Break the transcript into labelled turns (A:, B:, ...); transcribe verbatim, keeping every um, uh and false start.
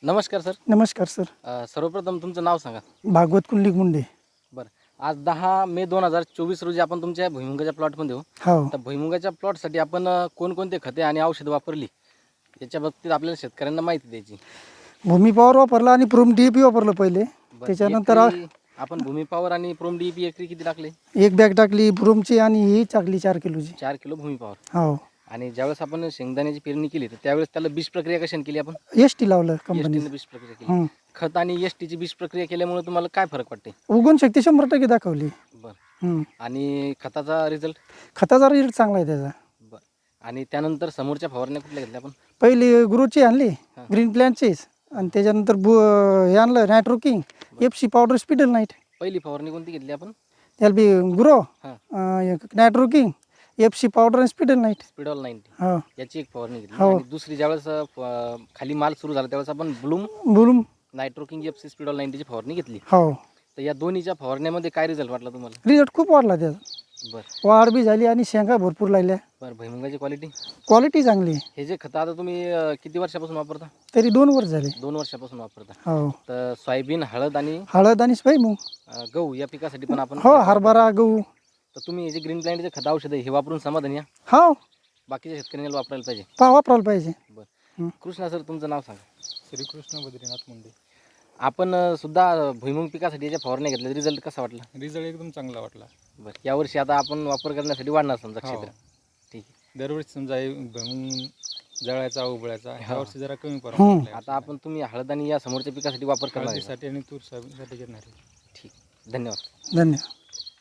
A: नमस्कार सर.
B: नमस्कार सर.
A: अ, सर्वप्रथम तुमचं नाव सांगा.
B: भागवत कुंडलिक मुंडे.
A: बरं, आज दहा मे दोन हजार चोवीस रोजी आपण तुमच्या भुईमुगाच्या प्लॉटमध्ये हो.
B: हो.
A: तर भुईमुगाच्या प्लॉटसाठी आपण अ, कोणकोणते खते आणि औषधं वापरली याच्या बाबतीत आपल्याला शेतकऱ्यांना माहिती द्यायची.
B: भूमी पॉवर वापरला आणि प्रोम डी ए पी वापरलं पहिले.
A: बरं,
B: त्याच्यानंतर
A: एकरी आपण भूमी पॉवर आणि प्रोम डी पी एकरी किती टाकले?
B: एक बॅग टाकली प्रोमची आणि ही टाकली चार किलोची.
A: चार किलो भूमी पॉवर.
B: हो.
A: आणि ज्यावेळेस आपण शेंगदाण्याची पेरणी केली तर त्यावेळेस त्याला बीज प्रक्रिया कशाने केली आपण?
B: एस टी लावलं कंपनी.
A: एसटीने बीज प्रक्रिया केली. खत आणि एसटीची बीज प्रक्रिया केल्यामुळे तुम्हाला काय फरक वाटते?
B: उगवण शक्ती शंभर टक्के दाखवली.
A: बरं.
B: हम्म.
A: आणि खताचा रिझल्ट?
B: खताचा रिझल्ट चांगला आहे त्याचा.
A: बरं. आणि त्यानंतर समोरच्या फवारण्या कुठल्या घेतल्या आपण?
B: पहिली ग्रोची आणली ग्रीन प्लॅनचीच आणि त्याच्यानंतर बु हे आणलं नायट्रोकिंग एफ सी पावडर स्पिडल नाईट.
A: पहिली फवारणी कोणती घेतली आपण?
B: त्याला बी ग्रो
A: हां.
B: नायट्रोकिंग एफ सी पावडर आणि स्पिडल नाईट.
A: स्पिडॉल नाईन्टी
B: हो.
A: याची एक फवारणी घेतली.
B: हो.
A: आणि दुसरी ज्यावेळेस अ, फ- खाली माल सुरू झाला त्यावेळेस आपण ब्लूम
B: बोलून.
A: नायट्रोकिंग एफ सी स्पिडॉल नाईन्टीची फवारणी घेतली.
B: हो.
A: तर या दोन्हीच्या फवारण्यामध्ये काय रिझल्ट वाटला तुम्हाला?
B: रिझल्ट खूप वाढला त्याचा.
A: बरं.
B: वाढ बी झाली आणि शेंगा भरपूर लागल्या.
A: बरं, भुईमुगाची क्वालिटी?
B: क्वालिटी चांगली आहे.
A: हे जे खतं आता तुम्ही अ, किती वर्षापासून वापरता?
B: तरी दोन वर्ष झाले.
A: दोन वर्षापासून वापरता.
B: हो.
A: तर सोयाबीन, हळद आणि
B: हळद आणि भुईमुग.
A: अ, गहू या पिकासाठी पण आपण
B: हो. हरभरा गहू.
A: तर तुम्ही हे जे ग्रीन प्लॅन्टचे खत औषध आहे हे वापरून समाधानी या?
B: हो.
A: बाकीच्या शेतकऱ्यांना वापरायला पाहिजे.
B: पा वापरायला पाहिजे.
A: बरं. कृष्णा सर, तुमचं नाव सांगा.
C: श्रीकृष्ण बद्रीनाथ मुंडे.
A: आपण अ, सुद्धा भुईमुग पिकासाठी याच्या फवारण्या घेतल्या, रिझल्ट कसा वाटला?
C: रिझल्ट एकदम चांगला वाटला.
A: बरं, यावर्षी आता आपण वापर करण्यासाठी वाढणार समजा
C: हो.
A: क्षेत्र. ठीक आहे.
C: दरवर्षी समजा हे भुईमुग जळायचा उबळायचा ह्या
A: हो.
C: वर्षी जरा कमी
B: हम्म.
C: प्रमाणात
A: आता आपण तुम्ही हळद आणि या समोरच्या पिकासाठी वापर करणार आहे का?
C: हळदीसाठी आणि तूर सोयाबीनसाठी घेणार आहे.
A: ठीक. धन्यवाद.
B: धन्यवाद.